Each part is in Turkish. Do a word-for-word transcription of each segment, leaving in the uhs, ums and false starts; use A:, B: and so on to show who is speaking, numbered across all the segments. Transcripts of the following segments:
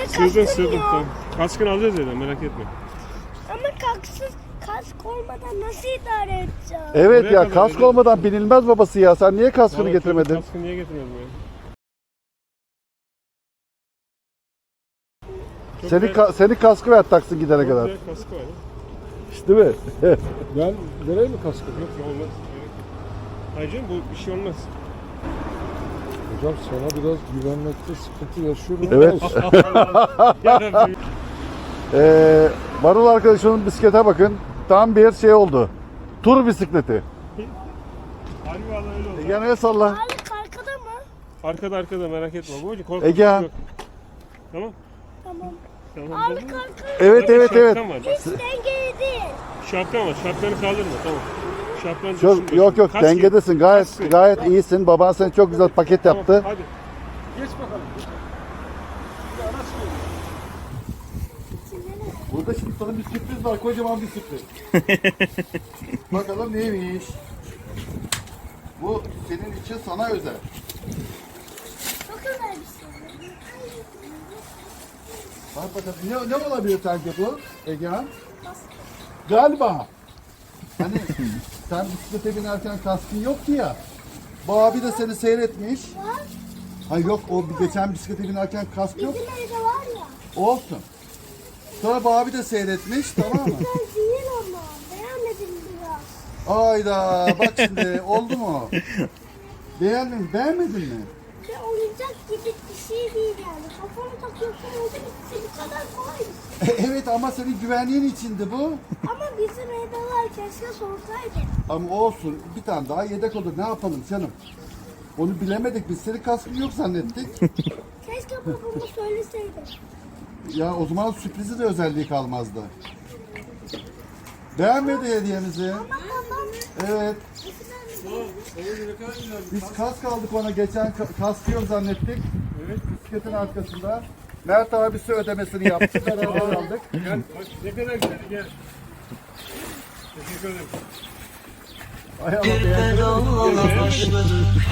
A: Sığdın
B: kaskın
A: sığdın.
B: yok.
A: Tamam. Kaskını alacağız zaten, merak etme.
B: Ama kasksız, kask olmadan nasıl idare edeceğim?
C: Evet
A: Buraya
C: ya
A: kadar
C: kask
A: öyle.
C: olmadan binilmez babası ya. Sen niye kaskını
A: Vallahi
C: getirmedin?
A: Kaskını niye getirmedin ya? Çok
C: Seni
A: güzel-
C: ka senin kaskı ver taksın gidene
A: çok
C: kadar.
A: güzel kaskı var ya.
C: İşte değil mi?
D: Ben vereyim mi kaskı?
A: Yok ya, olmaz. Hayır canım, bu bir şey olmaz.
D: Hocam sana biraz güvenmekte sıkıntı yaşıyorum.
C: Evet.
A: Yarabbim.
C: Ee, Marul arkadaşımın bisiklete bakın. Tam bir şey oldu. Tur bisikleti.
A: Harbi vallahi öyle oldu.
C: Ege'ne salla.
B: Ağırlık arkada mı?
A: Arkada arkada, merak etme. Bu hoca korkma.
C: Ege.
A: Yok. Tamam.
B: Tamam.
A: Tamam.
B: Ağırlık
A: tamam.
B: arkada.
C: Evet evet evet.
A: Şapkan var.
B: Hiç dengeli değil.
A: Şapkan var. Şapkanı kaldırma, tamam. Şapkanı
C: Çok,
A: düşünme.
C: yok yok
A: Kask
C: dengedesin. Gayet
A: Kaskı.
C: gayet iyisin. Baban seni çok güzel paket
A: Tamam,
C: yaptı.
A: hadi.
D: Geç bakalım.
C: Burada şimdi sana bir sürpriz var. Kocaman bir sürpriz. Bakalım neymiş? Bu senin için sana özel.
B: Çok özel bir şey.
C: Bak bakalım ne, ne olabilir sence bu Egehan? Galiba. Hani sen bisiklete binerken kaskın yoktu ya. Bu abi de seni seyretmiş.
B: Var.
C: Ha yok o bir geçen bisiklete binerken kask yok.
B: Bizim evde var ya.
C: Olsun. Sonra bu abi de seyretmiş tamam mı?
B: Ben değil ama. Beğenmedim biraz.
C: Ayda bak şimdi oldu mu? Beğendin, beğenmedin mi?
B: Ve oyuncak gibi bir şey değil yani. Kafana takıyorsun oldu bitti. Bu kadar kolay.
C: Evet ama senin güvenliğin içindi bu.
B: Ama bizim evde var. Keşke sorsaydı.
C: Ama olsun bir tane daha yedek olur ne yapalım canım? Onu bilemedik biz senin kaskın yok zannettik.
B: Keşke babama söyleseydi.
C: Ya o zaman sürprizi de özelliği kalmazdı. Beğenmedi hediyemizi.
B: Ama babam
C: Evet. Biz kask aldık ona geçen ka- kaskı yok zannettik. Evet bisikletin arkasında. Mert abisi ödemesini yaptı. Beraber aldık.
A: Gel, bak ne kadar güzel, gel. Teşekkür ederim.
C: Ay ama beğendim.
E: Bedava başladı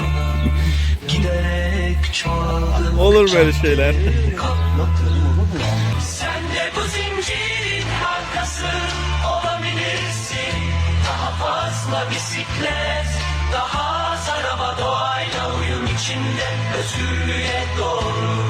E: giderek çoğaldı.
F: Olur böyle şeyler.
E: Sen de bu zincirin markası olabilirsin. Daha fazla bisiklet, daha az araba, doğayla uyum içinde özgürlüğe doğru.